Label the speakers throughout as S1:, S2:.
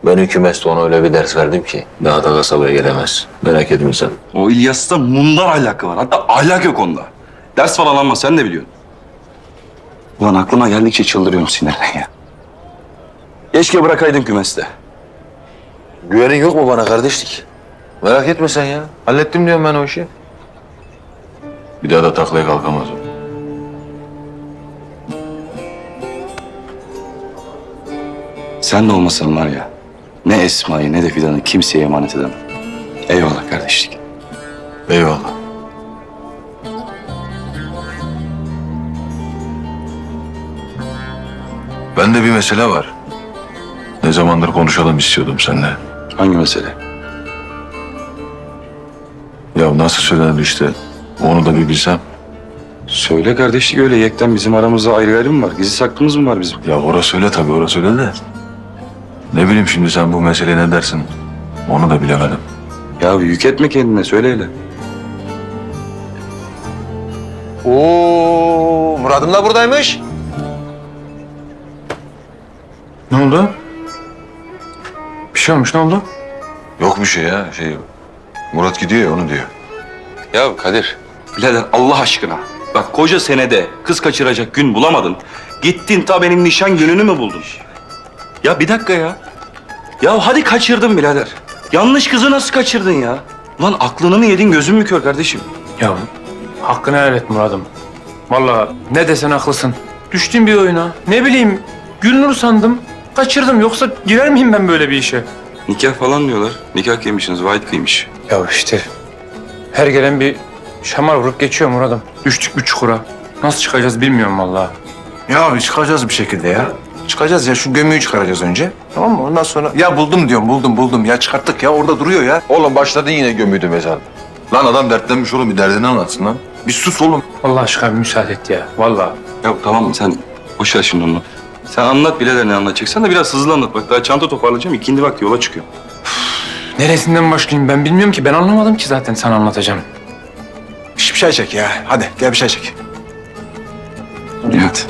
S1: Ben hükümeste ona öyle bir ders verdim ki daha da kasabaya gelemez. Merak etme sen.
S2: O İlyas'ta mundar ahlakı var. Hatta ahlak yok onda. Ders falan alma sen de biliyorsun. Ulan aklıma geldikçe çıldırıyorum sinirden ya. Keşke bırakaydın kümeste.
S1: Güvenin yok mu bana kardeşlik? Merak etme sen ya. Hallettim diyorum ben o işi. Bir daha da taklaya kalkamaz o.
S2: Sen de olmasan var ya, ne Esma'yı ne de Fidan'ı kimseye emanet edemem. Eyvallah kardeşlik.
S1: Eyvallah. Bende bir mesele var. Ne zamandır konuşalım istiyordum seninle.
S2: Hangi mesele?
S1: Ya nasıl söylenir işte, onu da bir bilsem.
S2: Söyle kardeşlik, öyle yekten bizim aramızda ayrı ayrı mı var? Gizli saklımız mı var bizim?
S1: Ya orası öyle tabii, orası öyle de. Ne bileyim şimdi sen bu meseleye ne dersin? Onu da bilemedim.
S2: Ya yük etme kendine, söyle hele.
S1: Oo, Murat'ım da buradaymış.
S3: Ne oldu? Bir şey olmuş, ne oldu?
S1: Yok bir şey ya, Murat gidiyor ya, onu diyor.
S2: Ya Kadir, birader Allah aşkına. Bak koca senede kız kaçıracak gün bulamadın. Gittin ta benim nişan gününü mü buldun? Ya bir dakika ya. Ya hadi kaçırdın birader. Yanlış kızı nasıl kaçırdın ya? Ulan aklını mı yedin, gözün mü kör kardeşim?
S3: Ya hakkını helal et Murat'ım. Vallahi ne desen haklısın. Düştüm bir oyuna. Ne bileyim, Gülnur sandım. Kaçırdım, yoksa girer miyim ben böyle bir işe?
S2: Nikah falan diyorlar. Nikah kıymışsınız, vahit kıymış.
S3: Ya işte her gelen bir şamar vurup geçiyor Murat'ım. Düştük bir çukura. Nasıl çıkacağız bilmiyorum vallahi.
S4: Ya çıkacağız bir şekilde ya. Çıkacağız ya, şu gömüyü çıkaracağız önce. Tamam mı? Ondan sonra ya buldum diyorum, buldum. Ya çıkarttık ya, orada duruyor ya.
S1: Oğlum başladın yine gömüydü mezar. Lan adam dertlenmiş oğlum, bir derdini anlatsın lan.
S4: Bir sus oğlum.
S3: Allah aşkına bir müsaade et ya. Vallahi.
S2: Ya tamam sen boş ver şimdi onu. Sen anlat birader, ne anlatacaksan da biraz hızlı anlat. Bak daha çanta toparlayacağım, ikindi vakti yola çıkıyorum.
S3: Neresinden başlayayım ben bilmiyorum ki. Ben anlamadım ki zaten sana anlatacağım.
S4: Şş, bir çay çek ya. Hadi gel bir çay çek.
S2: Evet.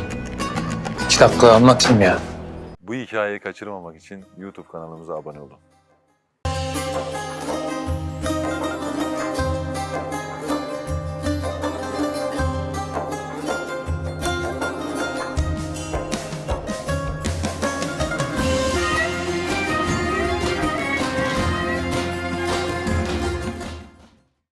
S3: 2 dakika anlatayım ya.
S1: Bu hikayeyi kaçırmamak için YouTube kanalımıza abone olun.